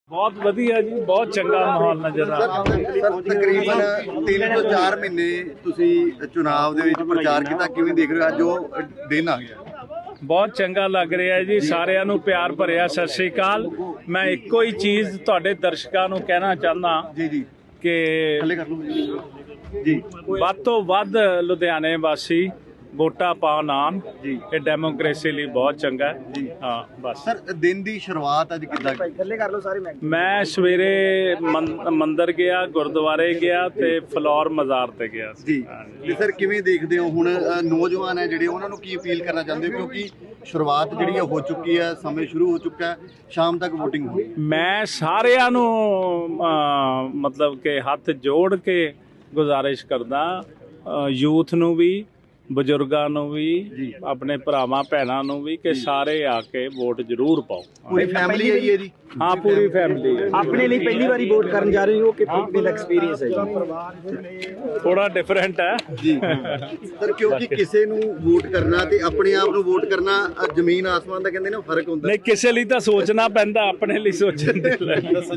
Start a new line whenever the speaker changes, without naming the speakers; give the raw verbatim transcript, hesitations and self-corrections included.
ਬਹੁਤ ਵਧੀਆ ਜੀ, ਬਹੁਤ ਚੰਗਾ ਮਾਹੌਲ ਨਜ਼ਰ ਆ ਰਿਹਾ।
ਸਰ ਤਕਰੀਬਨ ਤਿੰਨ ਤੋਂ ਚਾਰ ਮਹੀਨੇ ਤੁਸੀਂ ਚੁਣਾਵ ਦੇ ਵਿੱਚ ਪ੍ਰਚਾਰ ਕੀਤਾ, ਕਿਵੇਂ ਦੇਖ ਰਹੇ ਹੋ ਅੱਜ ਉਹ ਦਿਨ ਆ ਗਿਆ?
ਬਹੁਤ ਚੰਗਾ ਲੱਗ ਰਿਹਾ ਜੀ, ਸਾਰਿਆਂ ਨੂੰ ਪਿਆਰ ਭਰਿਆ ਸਤਿ ਸ੍ਰੀ ਅਕਾਲ। ਮੈਂ ਇੱਕੋ ਹੀ ਚੀਜ਼ ਤੁਹਾਡੇ ਦਰਸ਼ਕਾਂ ਨੂੰ ਕਹਿਣਾ ਚਾਹੁੰਦਾ
ਜੀ ਜੀ
ਕਿ
ਥੱਲੇ ਕਰ ਲਓ ਜੀ।
ਵੱਧ ਤੋਂ ਵੱਧ ਲੁਧਿਆਣੇ ਵਾਸੀ ਵੋਟਾਂ ਪਾਉਣ ਆਉਣ
ਜੀ।
ਇਹ ਡੈਮੋਕ੍ਰੇਸੀ ਲਈ ਬਹੁਤ ਚੰਗਾ ਹੈ
ਜੀ।
ਹਾਂ ਬਸ।
ਸਰ ਦਿਨ ਦੀ ਸ਼ੁਰੂਆਤ ਅੱਜ ਕਿੱਦਾਂ?
ਥੱਲੇ ਕਰ ਲਓ ਸਾਰੇ।
ਮੈਂ ਸਵੇਰੇ ਮੰ- ਮੰਦਿਰ ਗਿਆ, ਗੁਰਦੁਆਰੇ ਗਿਆ ਤੇ ਫਲੋਰ ਮਜ਼ਾਰ ਤੇ ਗਿਆ ਸੀ।
ਜੀ ਤੇ ਸਰ ਕਿਵੇਂ ਦੇਖਦੇ ਹੋ ਹੁਣ ਅ, ਨੌਜਵਾਨ ਹੈ ਜਿਹੜੇ ਉਹਨਾਂ ਨੂੰ ਕੀ ਅਪੀਲ ਕਰਨਾ ਚਾਹੁੰਦੇ ਹੋ, ਕਿਉਂਕਿ ਸ਼ੁਰੂਆਤ ਜਿਹੜੀ ਹੈ ਹੋ ਚੁੱਕੀ ਹੈ, ਸਮੇਂ ਸ਼ੁਰੂ ਹੋ ਚੁੱਕਾ ਹੈ, ਸ਼ਾਮ ਤੱਕ VOTING ਹੋਣੀ ਹੈ।
ਮੈਂ ਸਾਰਿਆਂ ਨੂੰ ਅਹ, ਮਤਲਬ ਕਿ ਹੱਥ ਜੋੜ ਕੇ ਗੁਜ਼ਾਰਿਸ਼ ਕਰਦਾ, ਯੂਥ ਨੂੰ ਵੀ, ਬਜ਼ੁਰਗਾਂ ਨੂੰ ਵੀ,
ਜੀ।
ਆਪਣੇ ਭਰਾਵਾਂ ਭੈਣਾਂ ਨੂੰ ਵੀ, ਕਿ ਸਾਰੇ ਆ ਕੇ ਵੋਟ ਜ਼ਰੂਰ ਪਾਓ।
ਪੂਰੀ ਫੈਮਿਲੀ ਆਈ ਹੈ ਜੀ?
ਹਾਂ ਪੂਰੀ ਫੈਮਿਲੀ
ਆਪਣੇ ਲਈ ਪਹਿਲੀ ਵਾਰੀ ਵੋਟ ਕਰਨ ਜਾ ਰਹੇ ਹੋ ਕਿ ਬਿਲ ਐਕਸਪੀਰੀਅੰਸ ਹੈ ਜੀ?
ਥੋੜਾ ਡਿਫਰੈਂਟ ਹੈ
ਜੀ ਸਰ, ਕਿਉਂਕਿ ਕਿਸੇ ਨੂੰ ਵੋਟ ਕਰਨਾ ਤੇ ਆਪਣੇ ਆਪ ਨੂੰ ਵੋਟ ਕਰਨਾ ਅ, ਜ਼ਮੀਨ ਆਸਮਾਨ ਦਾ ਕਹਿੰਦੇ ਨੇ ਫਰਕ ਹੁੰਦਾ।
ਨਹੀਂ, ਕਿਸੇ ਲਈ ਤਾਂ ਸੋਚਣਾ ਪੈਂਦਾ, ਆਪਣੇ ਲਈ ਸੋਚਣ ਦੇ ਲਈ